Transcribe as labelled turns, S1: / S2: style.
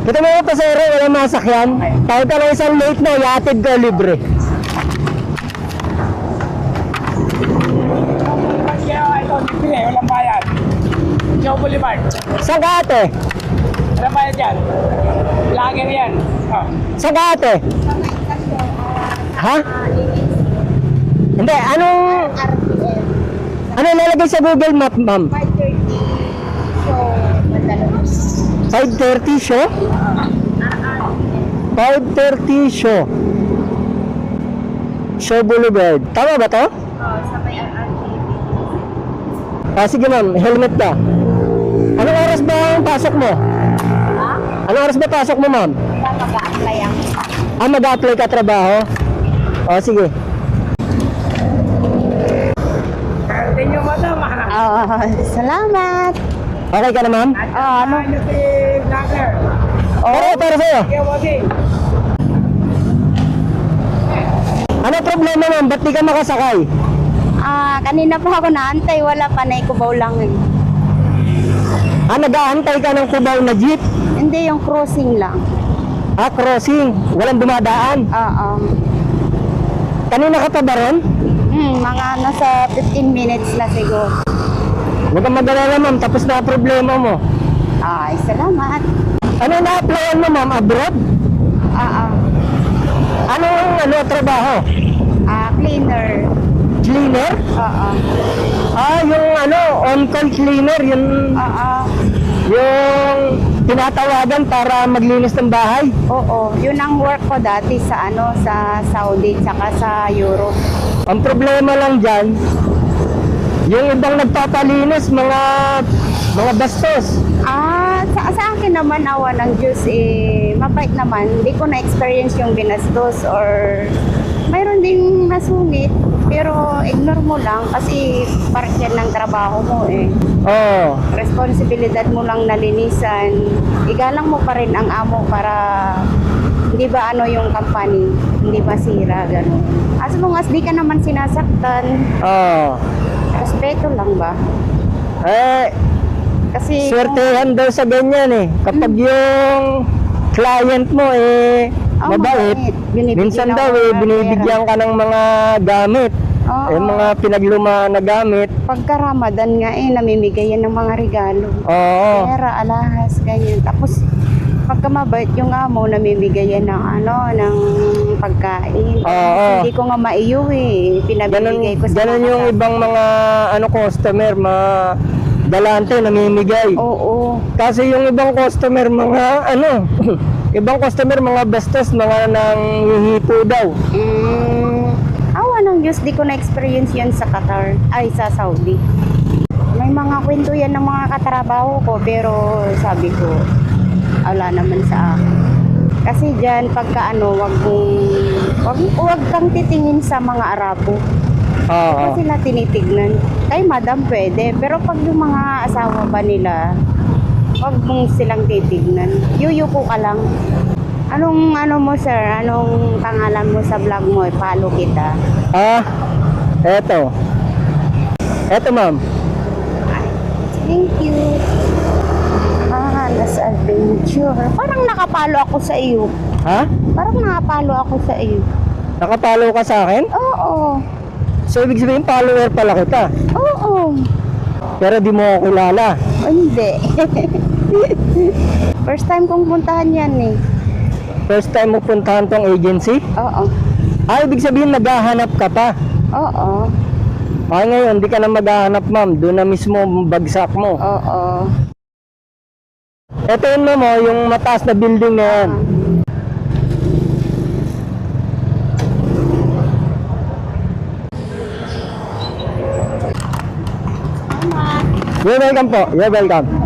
S1: Kita mo yung pasero, walang masakyan. Kahit ka lang isang late na, iatid ka libre.
S2: Ito, libre, walang bayad. Joe Boulevard.
S1: Saan ka ate?
S2: Walang bayad yan. Lager yan. Oh.
S1: Saan ka ate? Ha? Hindi, anong... Ano nalagay sa Google Map, ma'am? 5:30 show? 5:30 show. Show Boulevard. Tama ba to?
S3: Sa may
S1: Sige ma'am, helmet ka. Anong oras ba ang pasok mo? Anong oras ba pasok mo, ma'am?
S3: mag-a-apply ang
S1: Mag-a-apply ka trabaho? Sige.
S2: Thank you, madam.
S3: salamat.
S1: Okay ka na, ma'am?
S3: Ano?
S2: Ano si Lager?
S1: Para sa'yo.
S2: Okay, okay.
S1: Ano problema, ma'am? Ba't di ka makasakay?
S3: Kanina pa ako naantay, wala pa, naikubaw lang eh.
S1: Nag-aantay ka ng Cubao na jeep?
S3: Hindi, yung crossing lang.
S1: Crossing. Walang dumadaan.
S3: Oo.
S1: Kanina ka pa ba ron?
S3: Mga nasa 15 minutes na siguro.
S1: Huwag kang mag-alala, ma'am. Tapos na ang problema mo.
S3: Ay, salamat.
S1: Ano na-applyan mo, ma'am? Abroad?
S3: Oo.
S1: Anong trabaho?
S3: Cleaner.
S1: Cleaner?
S3: Oo.
S1: Yung on-call cleaner. Yung tinatawagan para maglinis ng bahay.
S3: Oo. Yun ang work ko dati sa sa Saudi tsaka sa Europe.
S1: Ang problema lang dyan, yung ibang nagpapalinis, mga bastos.
S3: Sa akin naman, awa ng Diyos, mabait naman. Hindi ko na-experience yung binastos or mayroon ding nasungit. Pero ignore mo lang kasi part yan ng trabaho mo eh.
S1: Oo.
S3: Responsibilidad mo lang nalinisan. Igalang mo pa rin ang amo para hindi ba yung company, hindi masira, gano'n. As long as di ka naman sinasaktan,
S1: Oo.
S3: respeto lang ba? Kasi
S1: Swertehan daw sa ganyan eh. Kapag yung client mo mabait, minsan daw binibigyan ka ng mga gamit. Yung mga pinagluma na gamit.
S3: Pagka Ramadan nga namimigay yan ng mga regalo.
S1: Oo.
S3: Pera, alahas, ganyan. Tapos pagka mabait yung amo, namimigay yan ng pagkain.
S1: Oo.
S3: Hindi ko nga maiuwi, pinabibigay ko sa
S1: Ganun yung ibang mga customer, dalante namimigay.
S3: Oo.
S1: Kasi yung ibang customer ibang customer mga bastos, mga nanghihipo daw.
S3: Awa ng Diyos, di ko na-experience yan sa Qatar, sa Saudi. May mga kwento yan ng mga katrabaho ko, pero sabi ko, wala naman sa akin. Kasi dyan, pagka wag kang titingin sa mga Arabo.
S1: Oo.
S3: Kasi sila tinitignan. Kay madam pwede, pero pag yung mga asawa ba nila, wag mong silang titignan. Yuyuko ka lang. Anong mo sir? Anong pangalan mo sa vlog mo? Follow kita.
S1: Eto. Eto, ma'am.
S3: Thank you. Nas adventure. Parang nakapalo ako sa iyo.
S1: Ha?
S3: Parang nakapalo ako sa iyo.
S1: Nakapalo ka sa akin?
S3: Oo.
S1: So, ibig sabihin, follower pala kita.
S3: Oo.
S1: Pero di mo ako kilala.
S3: Hindi. First time kong puntahan yan eh.
S1: First time mo puntahan tong agency?
S3: Oo.
S1: Ibig sabihin, naghahanap ka pa.
S3: Oo.
S1: Ngayon, di ka na maghahanap, ma'am. Doon na mismo bagsak mo.
S3: Oo.
S1: Ito yun, ma'am, yung mataas na building na yan. You're welcome po. You're welcome.